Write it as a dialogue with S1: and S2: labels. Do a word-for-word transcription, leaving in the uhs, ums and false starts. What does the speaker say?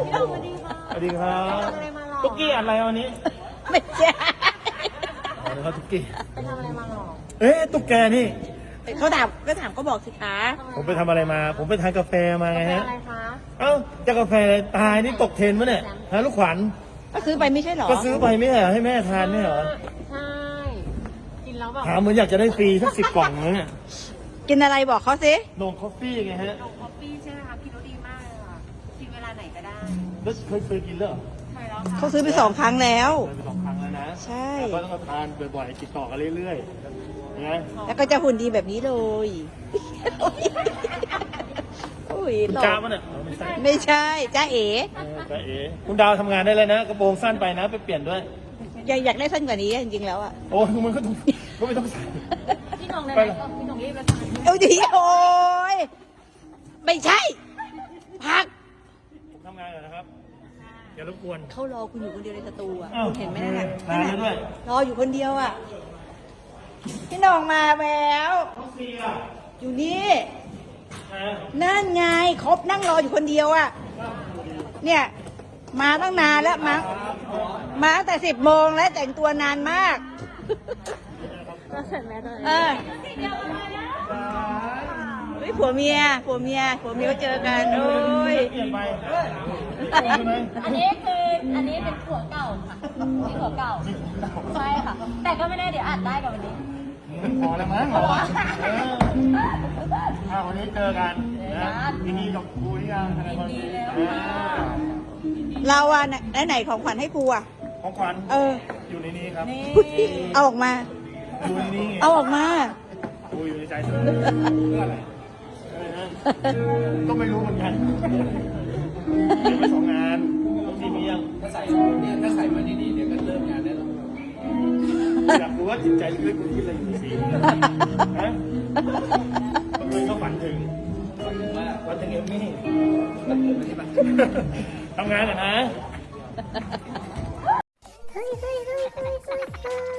S1: สวัสดีค่ะ
S2: สวัสดีครับ
S1: ไปทำอะไรมาหรอ
S2: ตุ๊กกี้อะไรวันนี้
S3: ไม่ใช่
S2: อ๋อนะครับตุ๊กกี้
S1: ไปทำอะไรมาหรอ
S2: เอ๊ะตุ๊กแกนี่
S3: เขาถามก็ถามก็บอกสิคะ
S2: ผมไปทำอะไรมา ผมไปทานกาแฟมาไง
S1: ไป
S2: ฮะ
S1: อะไรคะ
S2: เอ้าจะกาแฟอะไรตายนี่ตกเทรนด์มะเนี่ยฮะลูกขวัญ
S3: ก็ซื้อไปไม่ใช่เหรอ
S2: ก็ซื้อไปไม่ใช่เหรอให้แม่ทานไม่ใช่เหรอ
S1: ใช่กินแล้วแบบ
S2: ถามเหมือนอยากจะได้ฟรีสักสิบกล่องเลยเนี่ย
S3: กินอะไรบอกเขาสิ
S2: นมคอฟฟี่ไงฮะ
S1: นมคอฟฟี่ใช่ไหมคะกินแล้วดีมากเลยค่ะกินเวลาไหนก็ได้
S2: แล้วเคยเคยกินแล้วเหรอ
S1: ใช่แล้วค่ะ
S3: เขาซื้อไปสองครั้งแล้ว
S2: เคยไปสองครั้งแล้วนะ
S3: ใช่
S2: แล้วก็ต้องมาทานบ่อยๆติดต่อกันเรื่อยๆนะ
S3: แล้วก็จะหุ่นดีแบบนี้เลยโอ้ย
S2: คุณ
S3: ต
S2: จ้า
S3: บ
S2: ปะเนี่ยอ๋อไม่ใช่
S3: ไม่ใช่จ้าเอ๋
S2: เออจ้าเอ๋คุณดาวทำงานได้เลยนะกระโปรงสั้นไปนะไปเปลี่ยนด้วย
S3: อยากอยากได้สั้นกว่านี้จริงๆแล้วอ่ะ
S2: โอ้ยมันก็ต้องก็ไม่ต้องใส่
S1: พี่หน้องได้ไหมพี่หน้องรีบแล้วใช่ไหม
S3: เอาดีโอ้ยไม่ใช่ พัก
S2: ผมทำงานก่อนนะครับอย่ารบกวน
S3: เขารอคุณอยู่คนเดียวในสตูอ่ะ
S2: อ้าว
S3: คุณเห็นไหมนั่นน่ะ
S2: นานแล้วด้วย
S3: รออยู่คนเดียวอ่ะพี่หน้องมาแล้ว
S2: น้องซีอ่ะ
S3: อยู่นี่
S2: นะ
S3: นั่นไงครบนั่งรออยู่คนเดียวอ่ะ เนี่ย มาตั้งนานแล้วมามาตั้งแต่สิบโมงแล้วแต่งตัวนานมาก
S1: เราเสร็จแล้วเลย
S3: เออเฮ้ยผัวเมียผัวเมียผัวเมียก็เจอกันโอ้ย
S2: เปลี่ยนไปใช่ไหม
S1: อันนี้คืออันนี้เป็นผัวเก่าค่ะนี่ผัวเก่าใช่ค่ะ แต่ก็ไม่ได้เดี๋ยวอัดได้กับวันนี้
S2: พอแล้วมั้งเหรอเอออ่าวันนี้เจอกันนะยินดีกับครูหรือยังอะไรบ้าง
S1: ยินดีแล้วค่ะ
S3: เราอ่ะไหนไหนของขวัญให้ครูอ่ะ
S2: ของขวัญ
S3: เออ
S2: อยู่ในนี้ครับ
S1: นี่
S3: เอาออกมา
S2: อยู่ในนี้ไง
S3: เอาออกมา
S2: ครูอยู่ในใจเธอเพื่ออะไรอะไรนะก็ไม่รู้เหมือนกันเดี๋ยวไปสองงานต้องทีมียัง
S4: ถ้าใส่เนี่ยถ้าใส่มาดีๆเดี๋ยวก็เริ่มงานได้แล้ว
S2: อยากรู้ว่าจิตใจลึกๆคุณคิดอะไรอยู่สีฮะบางคนก็ฝันถึงฝันถึงเอมมี่ทำงานเหรอนะ
S5: เฮ้ยเฮ้ยเฮ้ยเฮ้ยเฮ้ย